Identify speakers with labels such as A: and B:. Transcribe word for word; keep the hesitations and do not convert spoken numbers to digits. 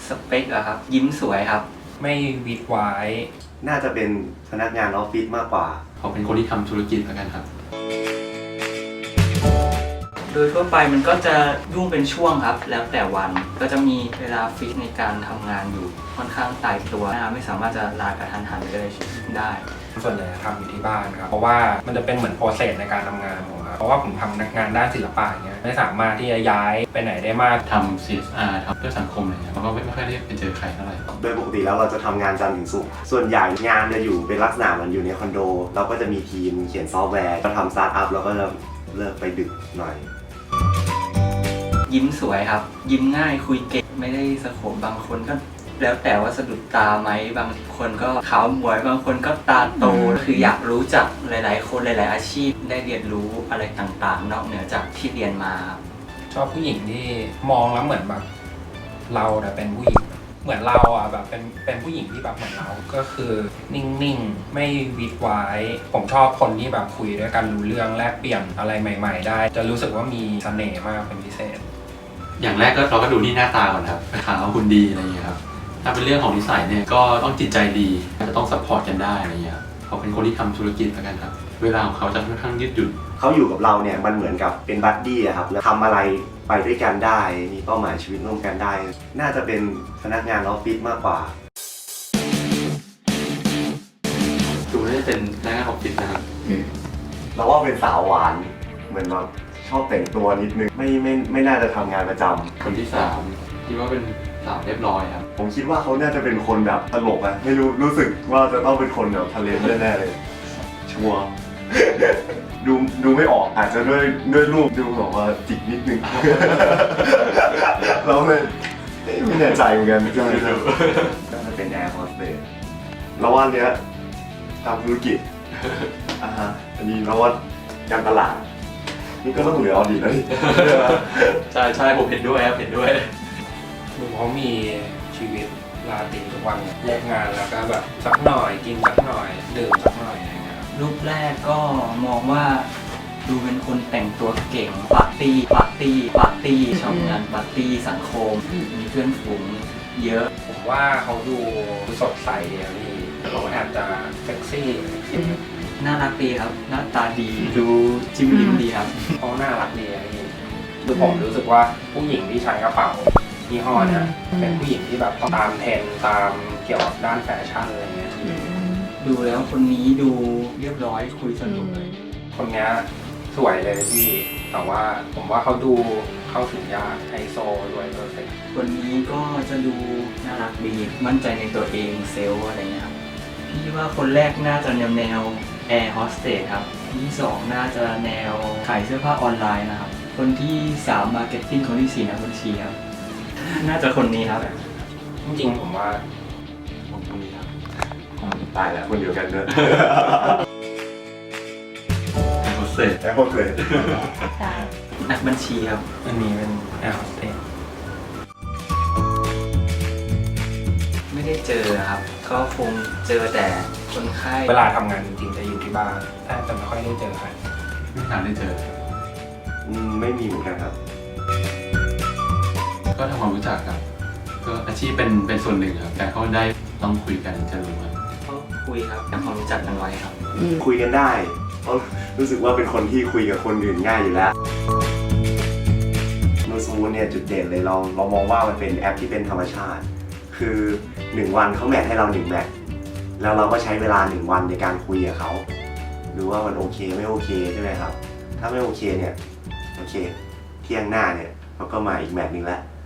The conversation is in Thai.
A: สเปคอะครับยิ้มสวยครับ
B: ไม่วิดไว้
C: น่าจะเป็นพนักงานออฟฟิศมากกว่า
D: เขาเป็นคนที่ทำธุรกิจแล้วกันครับ
A: โดยทั่วไปมันก็จะยุ่งเป็นช่วงครับแล้วแต่วันก็จะมีเวลาฟิกในการทำงานอยู่ค่อนข้างตายตัวไม่สามารถจะลากระทันหันเลยได้
B: ส่วนใหญ่ทำอยู่ที่บ้านครับเพราะว่ามันจะเป็นเหมือนโปรเซสในการทำงานผมครับเพราะว่าผมทำงานด้านศิลปะอย่างเงี้ยไม่สามารถที่จะย้ายไปไหนได้มาก
D: ทำ ซี เอส อาร์ ทำเพื่อสังคมอะไรเงี้ยเราก็ไม่ค่อยได้ไปเจอใครเท่าไหร่
C: โดยปกติแล้วเราจะทำงานจันทร์ถึงศุกร์ส่วนใหญ่งานจะอยู่เป็นลักษณะมันอยู่ในคอนโดเราก็จะมีทีมเขียนซอฟต์แวร์เราทำสตาร์ทอัพเราก็จะเลิกไปดึกหน่อย
A: ยิ้มสวยครับยิ้มง่ายคุยเก่งไม่ได้สะโขบบางคนก็แล้วแต่ว่าสะดุดตาไหมบางคนก็ขาวหมวยบางคนก็ตาโตคืออยากรู้จักหลายๆคนหลายๆอาชีพได้เรียนรู้อะไรต่างๆนอกเหนือจากที่เรียนมา
B: ชอบผู้หญิงที่มองแล้วเหมือนแบบเราแต่เป็นผู้หญิงเหมือนเราอ่ะแบบเป็นเป็นผู้หญิงที่แบบเหมือนเราก็คือนิ่งๆไม่วิดไว้ผมชอบคนที่แบบคุยด้วยกันรู้เรื่องแลกเปลี่ยนอะไรใหม่ๆได้จะรู้สึกว่ามีเสน่ห์มากเป็นพิเศษ
D: อย่างแรกก็เราก็ดูที่หน้าตาก่อนครับขาวหุ่นดีอะไรอย่างเงี้ยครับถ้าเป็นเรื่องของนิสัยเนี่ยก็ต้องจิตใจดีจะต้องซัพพอร์ตกันได้อะไรอย่างเงี้ยครับเขาเป็นคนที่ทำธุรกิจแล้วกันครับเวลาของเขาจะค่อนข้างยืดหยุ่น
C: เขาอยู่กับเราเนี่ยมันเหมือนกับเป็นบัดดี้อะครับแล้วทำอะไรไปด้วยกันได้มีเป้าหมายชีวิตร่วมกันได้น่าจะเป็นพนักงานออฟฟิศมากกว่า
D: ดูน่าจะเป็นพนักงานออฟฟิศนะครับ
C: เราว่าเป็นสาวหวานเหมือนแบบชอบแต่งตัวนิดนึงไม่ไม่ไม่น่าจะทำงานประจำ
D: คนที่สามคิดว่าเป็นสาวเรียบร้อยครับ
C: ผมคิดว่าเขาน่าจะเป็นคนแบบตลกอะไม่รู้รู้สึกว่าจะต้องเป็นคนแบบทะเลแน่ๆเลยชัวร์ดูดูไม่ออกอาจจะด้วยด้วยรูปดูแบบว่าจิกนิดนึงเราเลยไม่แน่ใจเหมือนกันจะไม่รู้ก็จะเป็นแอร์โฮสเตสแล้วว่าเนี้ยทำธุรกิจอ่าฮะอันนี้แล้วว่าการตลาดนี่ก็ต้องเหลือออดีตแล้วนี่
D: ใช่ใช่ผมเห็นด้วยครับเห็นด้วย
B: ดูเขามีชีวิตราตรีทุกวันเลิกงานแล้วก็แบบสักหน่อยกินสักหน่อยดื่มสักหน่อยอะไรเงี้ย
A: รูปแรกก็มองว่าดูเป็นคนแต่งตัวเก่งปาร์ตี้ปาร์ตี้ปาร์ตี้ชอบงานปาร์ตี้สังคมมีเพื่อนฝูงเยอะ
B: ผมว่าเขาดูสดใสดีนี่เขาแอบจะเซ็กซี่
A: น่ารักดีครับหน้าตาดีดูจิ้มลิ้มดีครับ
B: เขาน่ารักดีนี่คือผมรู้สึกว่าผู้หญิงที่ใช้กระเป๋ายี่ห้อเนี่ยเป็นผู้หญิงที่แบบต้องตามเทรนด์ตามเกี่ยวกับด้านแฟชั่นอะไรเงี้ย
A: ดูแล้วคนนี้ดูเรียบร้อยคุยสนุกเลย
B: คนนี้สวยเลยพี่แต่ว่าผมว่าเขาดูเข้าถึงยากไฮโซด้วยเพอร์เฟค
A: คนนี้ก็จะดูน่ารักดีมั่นใจในตัวเองเซลล์อะไรเงี้ยครับพี่ว่าคนแรกน่าจะแนวแนวแอร์โฮสเตสครับคนที่สองน่าจะแนวขายเสื้อผ้าออนไลน์นะครับคนที่สามมาร์เก็ตติ้งคนที่สี่นักบัญชีครับน่าจะคนนี้ครับ
B: จริงๆผมว่า
D: ผมคนนี้ครับ
C: ตายแล้วคนเดียวกันเนอะ
D: แอร์โฮสเตส
C: แอร์โฮสเตส
A: นักบัญชีครับ
B: อันนี้เป็นแอร์โฮสเตส
A: ไม่ได้เจอครับก็คงเจอแต่คนไข้
B: เวลาทำงานจริงๆจะอยู่ที่บ้านแต่จะไม่ค่อยได้เจอใคร
D: ไม่นานได้เจอ
C: อืมไม่มีเหมือนกันครับ
D: ก็ทำความรู้จักครับก็อาชีพเป็นเป็นส่วนหนึ่งครับแต่เขาได้ต้องคุยกันจะรู้ครับ
A: ก็คุยครับทำความรู้จักกันไว้ครับ
C: คุยกันได้เพราะรู้สึกว่าเป็นคนที่คุยกับคนอื่นง่ายอยู่แล้วโนซูเนี่ยจุดเด่นเลยเราเรามองว่ามันเป็นแอปที่เป็นธรรมชาติคือหนึ่งวันเขาแมทให้เราหนึ่งแมทแล้วเราก็ใช้เวลาหนึ่งวันในการคุยกับเขาดูว่ามันโอเคไม่โอเคใช่ไหมครับถ้าไม่โอเคเนี่ยโอเคเที่ยงหน้าเนี่ยเขาก็มาอีกแมทนึงแล้ว